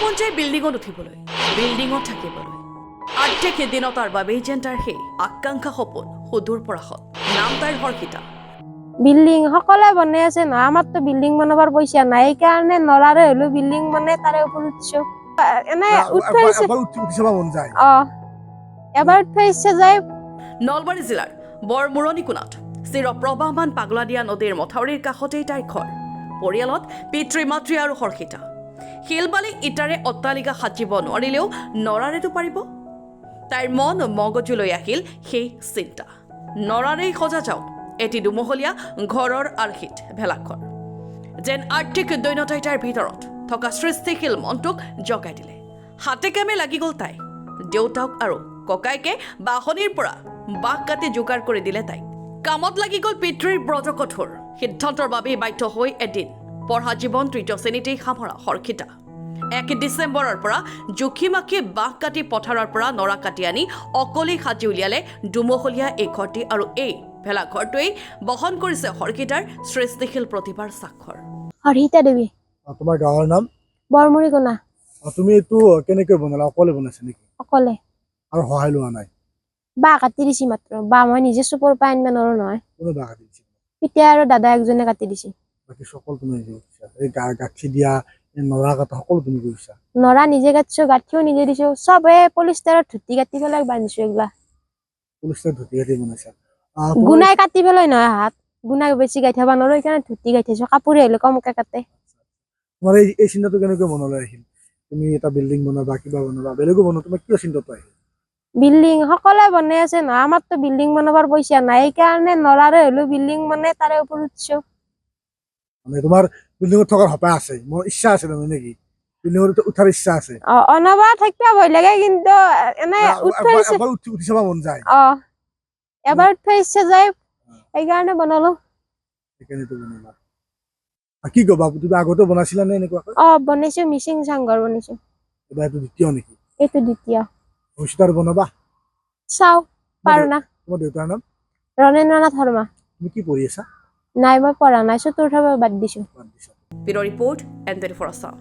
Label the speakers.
Speaker 1: মন যায় বিল্ডিঙত উঠিবলৈ, বিল্ডিঙত থাকিবলৈ। আৰ্টেক এদিনত তাৰ বাবেই যেন তাৰ সেই আকাংক্ষা সপোন সুদূৰ পৰাশত। নাম তাইৰ হৰ্ষিতা।
Speaker 2: বিল্ডিং সকলে বনাই আছে না, আমাৰতো বিল্ডিং বনাবার পইচা নাই, এইকাৰণে নৰাৰে হলো বিল্ডিং বনাই তাৰে ওপৰত উঠছো। এনে এবাৰ উঠবা ইচ্ছা যায়।
Speaker 1: নলবাৰী জিলাৰ বৰমুৰণি কোণাত চিৰপ্ৰবাহমান পাগলাদিয়া নদীৰ মথাউৰিৰ কাষতেই তাইৰ ঘৰ। পৰিয়ালত পিতৃ মাতৃ আৰু হৰ্ষিতা। শিলবালি ইটাৰে অট্টালিকা সাজিব নোৱাৰিলেও নৰাৰেতো পাৰিব। তাইৰ মন মগজুলৈ আহিল সেই চিন্তা, নৰাৰেই সজা যাওক এটি দুমহলীয়া ঘৰৰ আৰ্হিত ভেলাঘৰ। যেন আৰ্থিক দৈন্যতাই তাইৰ ভিতৰত থকা সৃষ্টিশীল মনটোক জগাই দিলে। হাতে কামে লাগি গ'ল তাই। দেউতাক আৰু ককাইকে বাহনিৰ পৰা বাঁহ কাটি যোগাৰ কৰি দিলে তাইক। কামত লাগি গ'ল পিতৃৰ ব্ৰজকঠোৰ সিদ্ধান্তৰ বাবেই বাধ্য হৈ এদিন পঢ়া জীৱন ৩য় শ্ৰেণীতেই সামৰা হৰ্ষিতা ১ ডিচেম্বৰৰ পৰা জুখি মাখি বাঁহ কাটি পথাৰৰ পৰা নৰা কাটি আনি অকলেই সাজি উলিয়ালে দুমহলীয়া এই ঘৰটি। আৰু এই ভেলাঘৰটোৱেই বহন কৰিছে হৰ্ষিতাৰ সৃষ্টিশীল প্ৰতিভাৰ স্বাক্ষৰ।
Speaker 2: হৰ্ষিতা দেৱী।
Speaker 3: তোমাৰ গাঁৱৰ নাম?
Speaker 2: বৰমুৰি কোণা।
Speaker 3: তুমি এইটো কেনেকৈ বনালা? অকলে বনাইছা নেকি?
Speaker 2: অকলে।
Speaker 3: আৰু সহায় লোৱা নাই?
Speaker 2: বাঁহ কাটি দিছি মাত্ৰ, বাঁহ মই নিজে চুপৰ পৰা আনিব নোৱাৰো নহয়।
Speaker 3: কোনে বাঁহ কাটি দিছে?
Speaker 2: পিতা আৰু দাদা একজনে কাটি দিছে।
Speaker 3: বাকী সকলো তুমি নিজে কৰিছা? এই গাঁঠি দিয়া, এই নৰা কটা সকলো তুমি কৰিছা?
Speaker 2: নৰা নিজে কাটিছো, গাঁঠিও নিজে দিছো, চবে পলিষ্টাৰত ধুতি কাটি পেলাই বান্ধিছো। এইগিলা
Speaker 3: পলিষ্টাৰ ধুতি কাটি বনাইছা?
Speaker 2: গুণাই কাটি পেলাই নহয়, হাত গুণাই বেছি গাঁঠিব নোৱাৰো, সেইকাৰণে ধুতি গাঁঠিছো। কাপোৰে আহিলে কমকে কাটে।
Speaker 3: তোমাৰ এই চিন্তাটো কেনেকৈ মনলৈ আহিল? তুমি এটা বিল্ডিং বনাবা, কিবা বনাবা, বেলেগো বনোৱা, তোমাৰ কিয় চিন্তাটো আহিল?
Speaker 2: বিল্ডিং সকলে বনাই আছে না, আমাৰতো বিল্ডিং বনাবার পইচা নাই, এইকাৰণে নৰাৰে হলো বিল্ডিং বনাই তাৰে ওপৰত উঠছো।
Speaker 3: মানে তোমাৰ বিল্ডিঙত থকাৰ হেঁপাহ আছে, মোৰ ইচ্ছা আছে তাৰমানে নেকি? বিল্ডিঙত উঠাৰ ইচ্ছা আছে?
Speaker 2: অনবাৰ থাকিবা ভয় লাগে, কিন্তু এনে
Speaker 3: এবাৰ উঠি চাব মন যায়।
Speaker 2: এবাৰ উঠবা ইচ্ছা যায়, সেইকাৰণে বনালো।
Speaker 3: সেইকাৰণেতো বনালা। কি কবা, তুমি আগতে বনাইছিলা নে এনেকুৱাকৈ?
Speaker 2: বনাইছো, মিচিং চাংঘৰ বনাইছো।
Speaker 3: এবাৰ এইটো দ্বিতীয় নেকি?
Speaker 2: এইটো দ্বিতীয়।
Speaker 3: ভৱিষ্যতে আৰু বনাবা?
Speaker 2: চাও পাৰো না।
Speaker 3: তোমাৰ দেউতাৰ নাম?
Speaker 2: ৰণেন্দ্ৰনাথ শৰ্মা।
Speaker 3: তুমি কি পঢ়ি আছা?
Speaker 2: নাই, মই পঢ়া নাই, চতুৰ্থ বাদ দিছো।
Speaker 1: Bureau' report, and 24 Assam.